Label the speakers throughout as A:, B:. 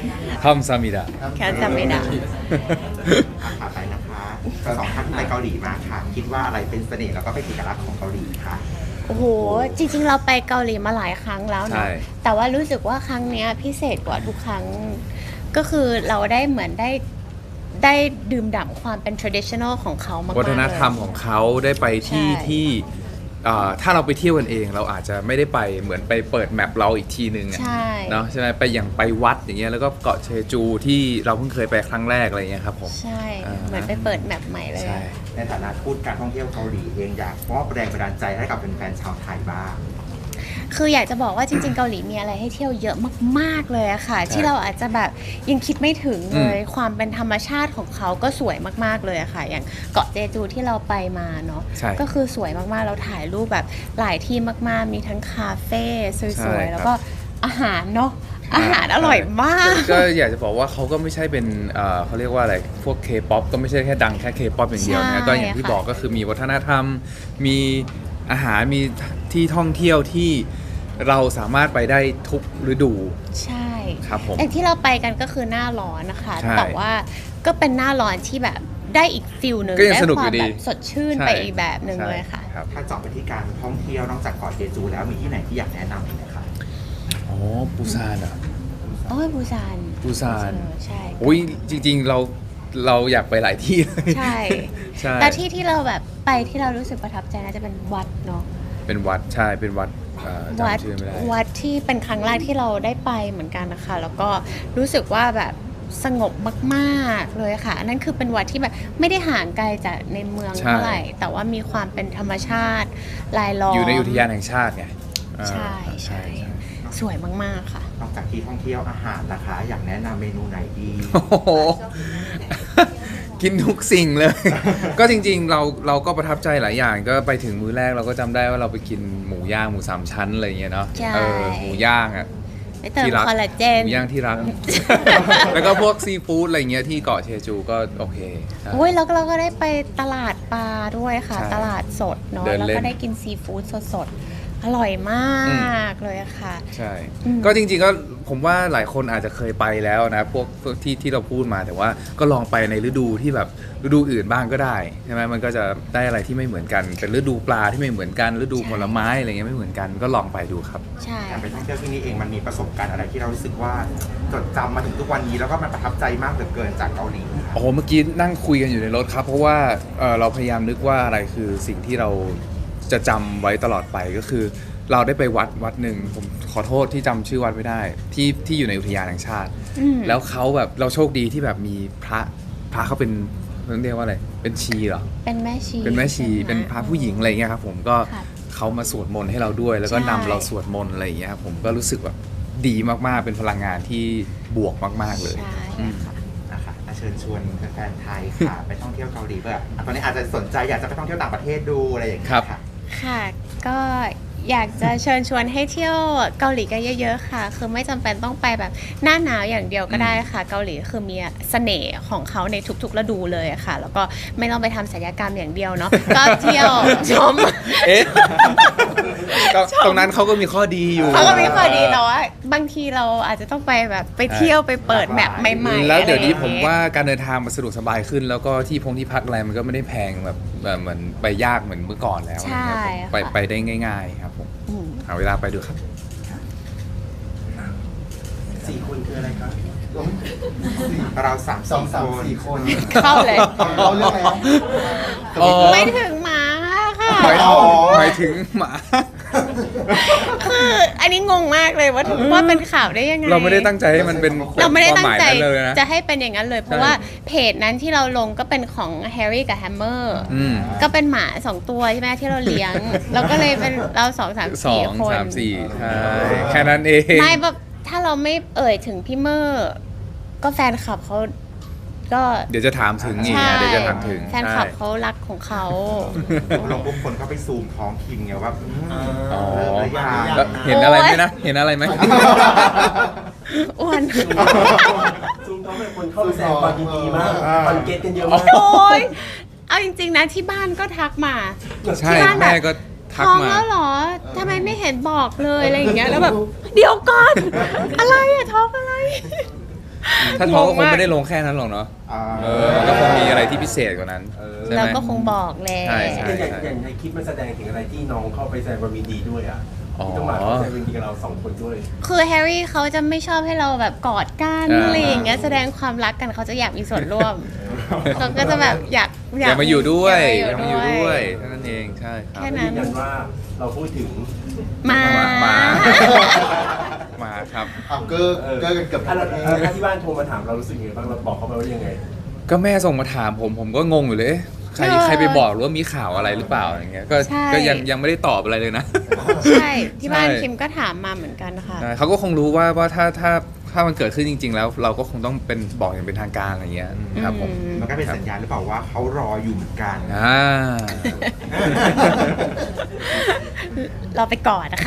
A: คำซามิดะ
B: แค่จำไม่ได้
C: ผ่านไปนะคะสองท่านไปเกาหลีมาค่ะ คิดว่าอะไรเป็นเสน่ห์แล้วก็เป็นเอกลักษณ์ของเกาหลีค่ะ
B: โอ้โห จริงๆ เราไปเกาหลีมาหลายครั้งแล้วเนาะแต่ว่ารู้สึกว่าครั้งเนี้ยพิเศษกว่าทุกครั้ง ก็คือเราได้เหมือนได้ดื่มด่ำความเป็น traditional ของเขามากๆ
A: วัฒนธรรมของเขาได้ไปที่
B: ใช่
A: ที่ถ้าเราไปเที่ยวกันเองเราอาจจะไม่ได้ไปเหมือนไปเปิดแมปเราอีกทีนึงอะ
B: ใช่
A: เนาะใช่ไหมไปอย่างไปวัดอย่างเงี้ยแล้วก็เกาะเชจูที่เราเพิ่งเคยไปครั้งแรกอะไรเงี้ยครับผม
B: ใช่ เหมือนไปเปิดแมปใหม่เลย
A: ใช่
C: ในฐานะทูตการท่องเที่ยวเกาหลีเองอยากมอบแรงบันดาลใจให้กับแฟนๆชาวไทยบ้าง
B: คืออยากจะบอกว่าจริงๆ เกาหลีมีอะไรให้เที่ยวเยอะมากๆเลยอะค่ะ ที่เราอาจจะแบบยังคิดไม่ถึงเลย ความเป็นธรรมชาติของเขาก็สวยมากๆเลยอะค่ะ อย่างเกาะเจจูที่เราไปมาเนาะ
A: ใช่
B: ก็คือสวยมากๆเราถ่ายรูปแบบหลายที่มากๆมีทั้งคาเฟ่ส
A: ใช่
B: วยๆ
A: ครับ
B: แล้วก็อาหารเนาะอาหารอร่อยมาก
A: ก็อยากจะบอกว่าเขาก็ไม่ใช่เป็นเขาเรียกว่าอะไรพวก K-POP ก็ไม่ใช่แค่ดังแค่ K-POP อย่างเดียว
B: ใช่
A: นะก็อย่างที่
B: ค่ะ
A: บอกก็คือมีวัฒนธรรม มีอาหารมีที่ท่องเที่ยวที่เราสามารถไปได้ทุกฤดู
B: ใช่
A: ครับผม
B: อย่างที่เราไปกันก็คือหน้าร้อนนะคะ
A: ใช่
B: แต่ว่าก็เป็นหน้าร้อนที่แบบได้อีกฟิลหนึ่ง
A: ก็ยัง
B: ได้
A: สนุก
B: ค
A: อ
B: วาม
A: ยู่ดี
B: แบบสดชื่น
A: ใช่
B: ไปอีกแบบหนึ่งเลยค่ะ
A: ใช่รับ
C: ถ้าเจาะไปที่การท่องเที่ยวนอกจากเกาะเจจูแล้วมีที่ไหนที่อยากแนะนำอีกไหมคะ
A: อ๋อปูซานอ่ะ
B: โอ้ยบูซาน
A: ปูซาน
B: ใช่
A: อุ้ยจริงๆเราอยากไปหลายที่เลย
B: ใช่
A: ใช่
B: แต่ที่เราแบบไปที่เรารู้สึกประทับใจน่าจะเป็นวัดเนาะ
A: เป็นวัดใช่เป็นวัด
B: วัด
A: จำชื่อไม่ได้
B: วัดที่เป็นครั้งแรกที่เราได้ไปเหมือนกันนะคะ แล้วก็รู้สึกว่าแบบสงบมากๆเลยค่ะอันนั้นคือเป็นวัดที่แบบไม่ได้ห่างไกลจากในเมือง
A: ใช่
B: เท่าไหร่ แต่ว่ามีความเป็นธรรมชาติรายล้อม
A: อยู่ในอุทยานแห่งชาติไง
B: ใช่ใช่สวยมากๆค่ะ
C: นอกจากที่ท่องเที่ยวอาหารนะคะ อยากแนะนำเมนูไหนดี
A: โอ้โห กินทุกสิ่งเลย ก็จริงๆเราก็ประทับใจหลายอย่างก็ไปถึงมื้อแรกเราก็จำได้ว่าเราไปกินหมูย่างหมูสามชั้นอะไรอย่างเงี้ยเนาะ
B: ใช่
A: หมูย่างอ่ะ
B: ไปเติม
A: ที่รัก
B: คอลลาเจ
A: ห
B: น
A: มูย่างที่รัก แล้วก็พวกซีฟู้ดอะไรเงี้ยที่เกาะเชจูก็โอเคใช่
B: โอ้ยแล้วเราก็ได้ไปตลาดปลาด้วยค่ะ
A: ใช่
B: ตลาดสดเนาะ
A: เดิน
B: แล้ว
A: เล่น
B: ก็ได้กินซีฟู้ดสดๆ อร่อยมากเลยค่ะ
A: ใช่
B: อืม
A: ก็จริงๆก็ผมว่าหลายคนอาจจะเคยไปแล้วนะพวกที่เราพูดมาแต่ว่าก็ลองไปในฤดูที่แบบฤดูอื่นบ้างก็ได้ใช่ไหมมันก็จะได้อะไรที่ไม่เหมือนกันเป็นฤดูปลาที่ไม่เหมือนกันฤดูผลไม้อะไรเงี้ยไม่เหมือนกันก็ลองไปดูครับ
B: ใช่
C: การไปท่องเที่ยวที่นี่เองมันมีประสบการณ์อะไรที่เรารู้สึกว่าจดจำมาถึงทุกวันนี้แล้วก็มันประทับใจมากเหลือเกินจากเกาหลี
A: โอ้โหเมื่อกี้นั่งคุยกันอยู่ในรถครับเพราะว่าเราพยายามนึกว่าอะไรคือสิ่งที่เราจะจำไว้ตลอดไปก็คือ เราได้ไปวัดหนึ่งผมขอโทษที่จำชื่อวัดไม่ได้ที่อยู่ในอุทยานแห่งชาติ
B: อืม
A: แล้วเขาแบบเราโชคดีที่แบบมีพระเขาเป็นเรียกว่าอะไรเป็นชีเหรอ
B: เป็นแม่ชี
A: เป็นแม่ชี
B: ใช่ไห
A: เป็นพระผู้หญิงอะไรเงี้ยครับผมก็
B: ค่ะ
A: เขามาสวดมนต์ให้เราด้วย แล้วก็
B: ใช่
A: นำเราสวดมนต์อะไรอย่างเงี้ยครับผมก็รู้สึกแบบดีมากๆเป็นพลังงานที่บวกมากๆเลย
B: ใช่
A: อืม
B: ค่ะ
C: นะคะเชิญชวนแฟนๆไทยค่ะ ไปท่องเที่ยวเกาหลีเพื่อตอนนี้อาจจะสนใจอยากจะไปท่องเที่ยวต่างประเทศดูอะไรอย่างเงี้ยค่ะ
B: ค่ะ ก็อยากจะเชิญชวนให้เที่ยวเกาหลีกันเยอะๆค่ะ คือไม่จำเป็นต้องไปแบบหน้าหนาวอย่างเดียวก็ได้ค่ะ เกาหลีคือมีเสน่ห์ของเขาในทุกๆฤดูเลยค่ะ แล้วก็ไม่ต้องไปทำศัลยกรรมอย่างเดียวเนาะ ก็เที่ยวชม
A: เอ๊ะก็ตรงนั้นเขาก็มีข้อดีอยู่
B: เขาก็ไม่ค่อยดีแต่ว่าบางทีเราอาจจะต้องไปแบบไปเที่ยวไปเปิดแมปใหม่ๆ
A: แล้วเดี๋ยวนี้
B: อะไรอ
A: ผ
B: ย่าง
A: ม
B: งี้
A: ว่าการเดินทางมันสะดวกสบายขึ้น แล้วก็ที่พักอะไรมันก็ไม่ได้แพงแบบเหมือนไปยากเหมือนเมื่อก่อนแล้ว
B: ใช่
A: นะครับผม
B: ค่ะ
A: ไปได้ง่าย ๆ ครับผม
B: อืม
A: หาเวลาไปดูครับ
D: 4 คนคืออะไรครับ
C: เราสาม
D: สองสาม
C: คน
D: สี่คน
B: เข้าเลย
D: เราเรื่องอะไรนะ
A: อ๋อ
B: ไม่ถึงหมาค่ะ
A: หมายถึงหมา
B: คืออันนี้งงมากเลยว่าเป็นข่าวได้ยังไง
A: เราไม่ได้ตั้งใจให้มันเป็น
B: เราไม่ได้ตั้งใจ
A: ความหมายนั้นเลยนะ
B: จะให้เป็นอย่างนั้นเลย เพราะ
A: ใช่
B: ว่าเพจนั้นที่เราลงก็เป็นของแฮร์รี่กับแฮมเมอร์
A: อืม
B: ก็เป็นหมา2 ตัวใช่ไหมที่เราเลี้ยง เราก็เลยเป็นเรา2 3
A: สอง
B: 4 คน
A: สามสี่ใช่แค่นั้นเอง
B: ไม่แบบถ้าเราไม่เอ่ยถึงพี่เมอร์ก็แฟนคลับเขาก็
A: เดี๋ยวจะถามถึงอีก
B: ใช่
A: นะเดี๋ยวจะถามถึง
B: แฟนคลับเขารักของเขา
C: ลงปุ๊บคนก็ไปซูมท้องคิมไงว่า
A: อ๋อ
C: เริ่มหรือยัง
A: แล้วเห็นอะไรไหมนะ เห็นอะไรไหม
B: อ้วน
D: ซูมเขาเป็นคนเข้าไปแสดงความยินดีมากคอนเกตกันเยอะมาก
B: โอ้ยเอาจริงๆนะที่บ้านก็ทักมา
A: ใช่
B: ที่บ้านแบบ
A: แม่ก็ทัก
B: ท้อง
A: มา
B: แล้วเหรอ ทำไมไม่เห็นบอกเลยอะไรอย่างเงี้ย แล้วแบบ เดี๋ยวก่อน อะไรอะท้องอะไร
A: ถ้าท้องก็คง
B: งงมาก
A: ไม่ได้ลงแค่นั้นหรอกเนาะ
C: อ่า
A: มันก็คงมีอะไรที่พิเศษกว่านั้นใช่ไหม
B: เราก็คงบอกแหละ
A: ใช่
D: อย่างในคลิปมันแสดงถึงอะไรที่น้องเข้าไปแสดงความยินดีด้วยอ่ะ
A: อ๋อ
D: ที่ต้องมาแสดงความยินดีกับเราสองคนด้วย
B: คือแฮร์รี่เขาจะไม่ชอบให้เราแบบกอดกัน
A: อ่า
B: อะไรอย่างเงี้ยแสดงความรักกันเขาจะอยากมีส่วนร่วมเขาก็จะแบบอยาก
A: อย่ามาอยู่ด้วยอย่ามาอยู่
B: ด้
A: ด้
B: ว
A: วย ยเท่านั้นเองใช่ครับ
B: แค่นั้น
D: ยืนยันว่าเราพูดถึง
B: มา
A: มาครับ
E: เอาเกอร์กันเกือบ
D: ถ้า
E: ทั้ง
D: เรา
E: ประเทศ
D: ถ้าที่บ้านโทรมาถามเรารู้สึกยังไงบ้างเราบอกเขาไปว่ายังไง
A: ก็แม่ส่งมาถามผมก็งงอยู่เลยเอ๊ะใครไปบอกหรือว่ามีข่าวอะไรหรือเปล่าอย่างเงี้ยก็ยังไม่ได้ตอบอะไรเลยนะ
B: ใช่ที่บ้าน
A: ใช่
B: คิมก็ถามมาเหมือนกันค่ะ
A: ใช่เขาก็คงรู้ว่าถ้ามันเกิดขึ้นจริง ๆ แล้ว เราก็คงต้องเป็นบอกอย่างเป็นทางการอะไรเงี้ยครับผม
C: มันก็เป็นสัญญาณหรือเปล่าว่าเขารออยู่เหมือนกัน
A: อ่า
B: เราไปกอดนะคะ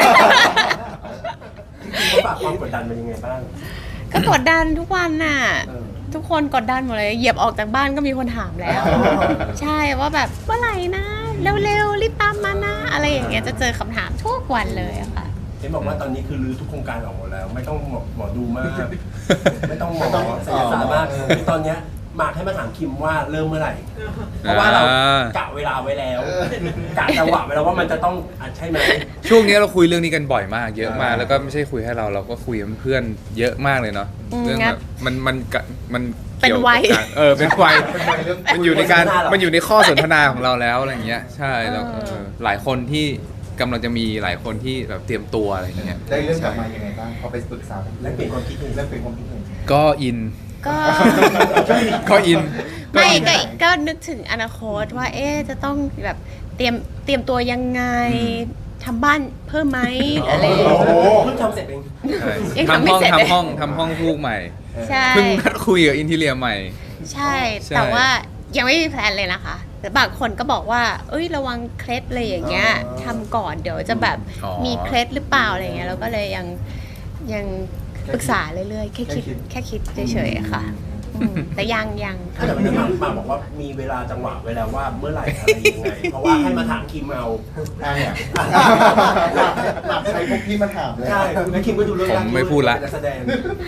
D: จริงๆเขาฝากความกดดันมันยังไงบ้าง
B: ก็กดดันทุกวันน่ะ
D: เออ
B: ทุกคนกดดันหมดเลยเหยียบออกจากบ้านก็มีคนถามแล้ว ใช่ว่าแบบเมื่อไหร่นะเร็วๆรีบตามมานะ อะไรอย่างเงี้ยจะเจอคำถามทุกวันเลยอะค่ะ
D: เห็นบอกว่าตอนนี้คือรื้อทุกโครงการออกหมดแล้ว ไม่ต้องหมอดูมาก ไม่ต้องหมอศิลปศาสตร์มากคือตอนเนี้ยหมากให้มาถามคิมว่าเริ่มเมื่อไหร่ เพราะว่าเรากะเวลาไว้แล้วกะจังหวะไว้แล้วว่ามันจะต้องอัดใช่ไหม
A: ช่วงนี้เราคุยเรื่องนี้กันบ่อยมากเยอะมากแล้วก็ไม่ใช่คุยให้เราก็คุยกับเพื่อนเยอะมากเลยเนาะ
B: อืม
A: เรื่อง
B: งั้
A: แบ
B: น
A: บมัน
B: เป็น
A: กี่ยวกับ
B: วัย
A: การเป็นวัย
E: เป็นวัยเรื่อง
A: มันอยู่ในการมันอยู่ในข้อสนทนาของเราแล้วอะไรเงี้ยใช่แล้วหลายคนที่กำลังจะมีหลายคนที่แบบเตรียมตัวอะไรเงี้ย
E: ได้เรื่องกลับมายังไงบ้างพอไปปรึกษา
D: และเปลี่ยนความคิดเอง
E: เรื่องเป็นความคิดเห็น
A: ก็อิน
B: ก็
A: ก็อิน
B: ไม่ก็นึกถึงอนาคตว่าเอ๊ะจะต้องแบบเตรียมตัวยังไงทำบ้านเพิ่มไหมอะไรอย่าง
D: โอ้
B: เงี้ย
D: โหเพิ่งทำเสร็จเอง
A: ใช่
B: ยังทำ
A: ทำ
B: ไม่
A: ห้อง
B: เสร็จเลย
A: ทำห้องลูกใหม่
B: ใช่
A: เพิ่งนัดคุยกับอินทีเรียใหม่
B: ใช่
A: ใช่
B: แต่ว่ายังไม่มีแพลนเลยนะคะแต่บางคนก็บอกว่าเอ้ยระวังเคล็ดเลยอย่างเงี้ยทำก่อนเดี๋ยวจะแบบมีเคล็ดหรือเปล่าอะไรเงี้ยเราก็เลยยังปรึกษาเรื่อยๆแค่คิดเฉยๆค่ะแต่ยัง
D: ถ้าแต่วันนี้มาบอกว่ามีเวลาจังหวะไว้แล้วว่าเมื่อไหร่อะไรยังไง เพราะว่าให้มาถามคิมเอา
E: อ่ะเนี่ยหลักใช้พวกพี่มาถามเลย
D: ใช่แล้วคิมก็ดูเรื่อง
A: ผมไม่พูดละ
D: นักแสดง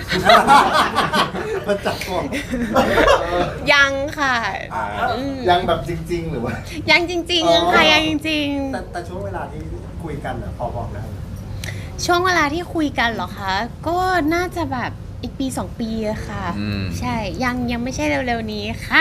E: มันจับก่อน
B: ยังค่ะ
D: อ่า
B: อืม
E: ยังแบบจริง ๆ หรือว่า
B: ยังจริงๆค่ะยังจริง
E: แต่ช่วงเวลาที่คุยกันอ่ะพอบอกได้
B: ๆช่วงเวลาที่คุยกันเหรอคะก็น่าจะแบบอีกปี 2 ปีอะค่ะ
A: อืม
B: ใช่ยังไม่ใช่เร็วๆนี้ค่ะ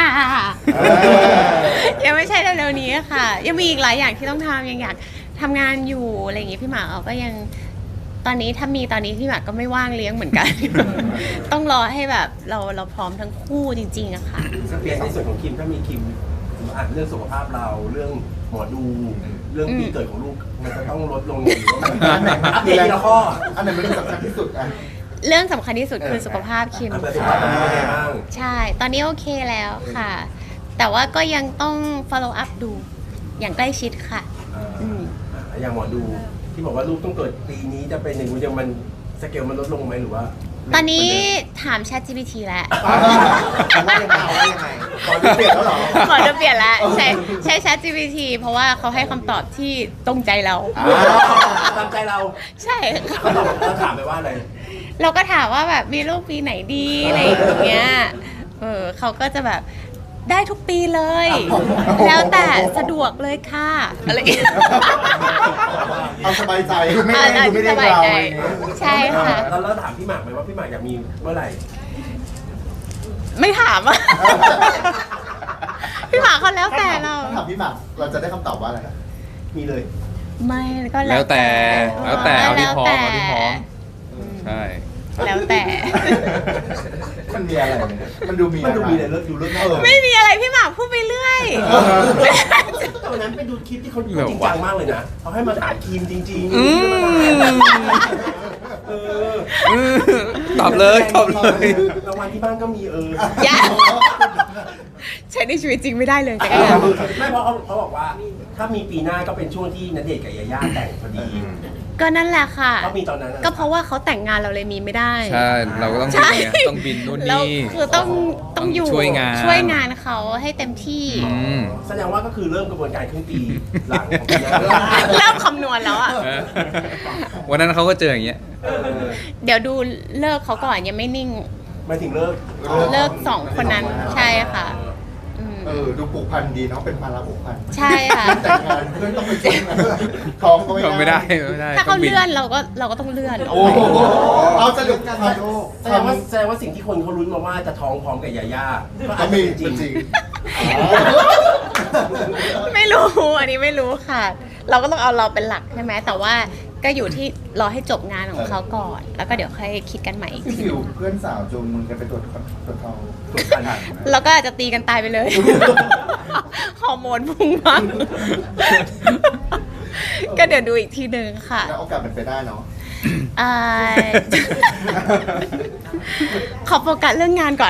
B: ยังไม่ใช่เร็วๆนี้ค่ะ ยังมีอีกหลายอย่างที่ต้องทำยังอยากทำงานอยู่อะไรอย่างงี้พี่หมากเราก็ยังตอนนี้ถ้ามีตอนนี้พี่หมากก็ไม่ว่างเลี้ยงเหมือนกัน ต้องรอให้แบบเราพร้อมทั้งคู่จริงๆอะค่ะ
D: เปลี่ยนในส่วนของคิมถ้ามีคิมอ่านเรื่องสุขภาพเราเรื่องหมอดูเรื่องปีเกิดของลูกมันจะต้องลดลงหรือว่ามันอัปเดตทีละข้อ
E: อันไหนมันสำคัญที่สุดอ่ะ
B: เรื่องสำคัญที่สุดคือสุขภาพคิม
D: อัปเดตสุขภาพเป็นยังไงบ้าง
B: ใช่ ตอนนี้โอเคแล้วค่ะ แต่ว่าก็ยังต้อง follow up ดูอย่างใกล้ชิดค่ะ อืม
D: อย่างหมอดูที่บอกว่าลูกต้องเกิดปีนี้จะเป็นอย่างนี้ยังมันสเกลมันลดลงไหมหรือว่า
B: ตอนนี้ถาม ChatGPT แล้ว
C: ว่ายังไงว่ายังไง
E: ขอดูเปลี่ยนแล้วเหรอ
B: ขอจะเปลี่ยนแล้วใช้ ChatGPT เพราะว่าเขาให้คำตอบที่ตรงใจเรา
D: ตามใจเรา
B: ใช่
D: เขาตอบเราถามไปว่าอะไร
B: เราก็ถามว่าแบบมีลูกปีไหนดีอะไรอย่างเงี้ยเขาก็จะแบบได้ทุกปีเลย แล้วแต่สะดวกเลยค่ะอะไรอย่างเงี้ย
E: เอาสบายใจดูไม่ได้ดูไม่ได้
B: สบาย
E: เรา
B: ใจใช่ค่ะ
D: แล้วถามพี่หมากไหมว่าพี่หมากอยากมีเมื่อไหร่
B: ไม่ถามอ่ะ พี่หมากเขาแล้วแต่เรา
E: ถ้ถามพี่หมากเราจะได้คำตอบว่าอะไร
D: มีเลย
B: ไม่ก็
A: แล้วแต่เอาที่พร้อม
B: แล้วแต่
A: เอาที่พร้อมใช่
B: แล้วแต่
E: มันมีอะไรเนี่ยมันดูมี
D: มันดูมีอะไร
E: อะไร
D: เลิกดูเลิก
B: ไม่มีอะไรพี่หมากพูดไปเรื่อย
D: ตอนนั้นไปดูคลิปที่เขาจริงจังมากเลยนะเขาให้มาถามทีมจริงๆ เออ
A: ตอบเลยตอบเลย
D: รางวัลที่บ้านก็มี
B: อย่าใช้ในชีวิตจริงไม่ได้เลยแต่ก็ยัง
D: ไม่เพราะเขาบอกว่า ถ้ามีปีหน้าก็เป็นช่วงที่ณเดชน์กับยาย่าแต่งพอดี
B: ก็นั่นแหละค่ะ
D: ก็มีตอนนั้น
B: ก็เพราะว่าเขาแต่งงานเราเลยมีไม่ได้
A: ใช่เราก็ต้อง
B: ใช่
A: บินไงต้องบินนู่น
B: แล้ว
A: นี่
B: คือต้องอยู่
A: ช่วยงาน
B: เขาให้เต็มที่
A: อืม
D: แสดงว่าก็คือเริ่มกระบวนการครึ่งปีหลังของปีหน้า
B: เริ่มคำนวณแล้วอ่ะ
A: เออวันนั้นเขาก็เจออย่างเงี้ย
D: เออ
B: เดี๋ยวดูเลิกเขาก่อนยังไม่นิ่ง
D: หมายถึงเลิก
B: เลิก2 คนนั้นใช่ค่ะอืม
E: ดูผูกพันดีเนาะเป็นภาระผูกพัน
B: ใช่ค่ะ
E: แต่งงานเพื่อนต้องไปช่วยงานท้องก็
A: ไม่ได้ไม่ได้
B: ถ้า
A: ต้
B: เขา
A: องบิน
B: เลื่อนเราก็ต้องเลื่อนออก
E: โอ้
B: ไป
E: โหเอาสรุปกันมาโลก
D: แสดงว่าสิ่งที่คนเขาลุ้นมาว่าจะท้องพร้อมกับยาย่าก็อา
E: ก็
D: จจะ
E: มี
D: เป็นจ
E: จ
D: ริ
E: ริ
D: ง
E: ง
B: ไม่รู้อันนี้ไม่รู้ค่ะ เราก็ต้องเอาเราเป็นหลักใช่ไหมแต่ว่าก็อยู่ที่รอให้จบงานของเขาก่อน แล้วก็เดี๋ยวค่อยคิดกันใหม่อีก
E: พี่
B: ที
E: ฟิวเพื่อนสาวจูงมึงกันไปตรวจท้อง
D: ถูกขนาด
B: แล้วก็อาจจะตีกันตายไปเลย ฮอร์โมนพุ่งมาก็เดี๋ยวดูอีกทีหนึ่งค่ะ
E: แล้วโอกาสเป็นไปได้เนาะ
B: อ่า ขอโฟกัสเรื่องงานก่อน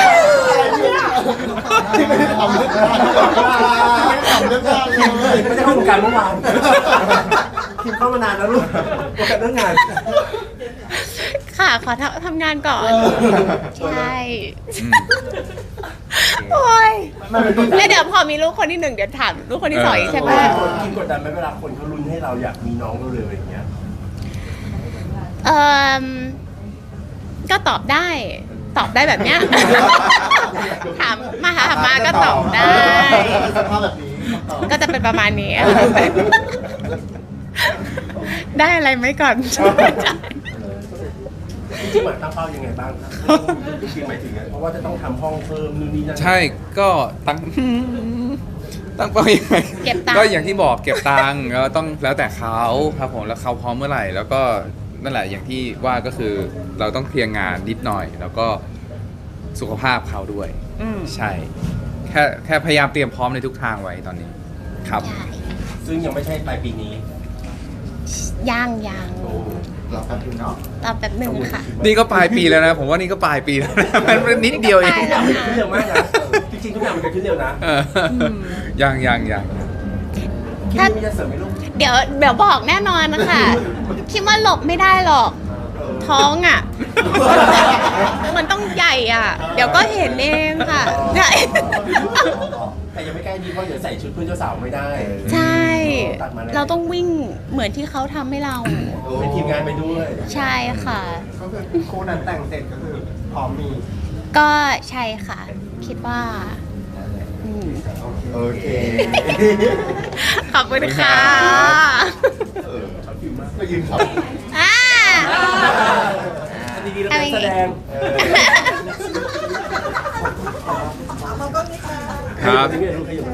E: ที่ไม่ได้ทำเรื่องงานไม่ได้ทำเรื่องงานเลย
D: ไม่ได้เข้าวงการเมื่อวานคิมเข้ามานานแล้วลูกโอกาสเรื่องงาน
B: ค่ะ ขอทำงานก่อน ใช่
A: อืม
B: โอ้ย
E: มันเป็นตัว
B: แล้วเดี๋ยวพอมีลูกคนที่ 1 เดี๋ยวถามลูกคนที่ 2อีกใช่ไหม
D: คิมกดดันไหมเวลาคนเขาลุ้นให้เราอยากมีน้องเร็วๆอย่างเงี้ย
B: เออก็ตอบได้แบบเนี้ย ถามมาก็ตอบได้
E: สภาพแบบนี้ตอบ
B: ก็จะเป็นประมาณนี้ ได้อะไรไหมก่อน
D: จริงๆหมายตั้งเป้ายังไงบ้างครับจริงๆหมายถึงเพราะว่าจะต้องทำห้องเพิ่มนู่นนี่นั่น
A: ใช่ก็ตั้ง ตั้งเป้ายังไง
B: เก็บตังค์
A: ก็อย่างที่บอกเก็บตังค์แล้วต้องแล้วแต่เขาครับผมแล้วเขาพร้อมเมื่อไหร่ แล้วก็นั่นแหละอย่างที่ว่าก็คือเราต้องเคลียร์งานนิดหน่อย แล้วก็สุขภาพเขาด้วย
B: อืม
A: ใช่ แค่พยายามเตรียมพร้อมในทุกทางไว้ตอนนี้ครับ
B: ใช่
D: ซึ่งยังไม่ใช่ปลายปีนี้
B: ยัง
E: เรากันถึงเนาะ
B: ตอบแบบหนึ่งค่ะ
A: นี่ก็ปลายปีแล้วนะ ผมว่านี่ก็ปลายปีแล้วนะ มันนิดเดียวเอง
B: นี่ก็ปลายแล้ว
D: ขึ้นเร็วมากนะจริงๆทุกอย่างมันเกิดขึ้นเร็วนะ
A: เออยัง
D: คิดว่ามีจะเสริมไหมลูก
B: เดี๋ยวบอกแน่นอนนะคะ คิดว่าหลบไม่ได้หรอก ท้องอ่ะ มันต้องใหญ่อ่ะ เดี๋ยวก็เห็นเองค่ะใช่
D: แต่ยังไม่ใกล้ดีเพราะเดี๋ยวใส่ชุดเพื่อนเจ้าสาวไม่ได้
B: ใช่
D: ตัดมาแล้ว
B: เราต้องวิ่งเหมือนที่เขาทำให้เรา
D: เป็นทีมงานไปด้วย
B: ใช่ค่ะ
E: ก็คือคู่นั้นแต่งเสร็จก็คือพร้อมมี
B: ก็ใช่ค่ะ คิดว่าอืม
E: โอเค
B: ขอบคุณค่ะ
E: ก็ยืนขับ
B: อ่า
D: ดีๆแล้วเป็นแสดง
A: ครับ
D: นี่ไงลูกขยับมา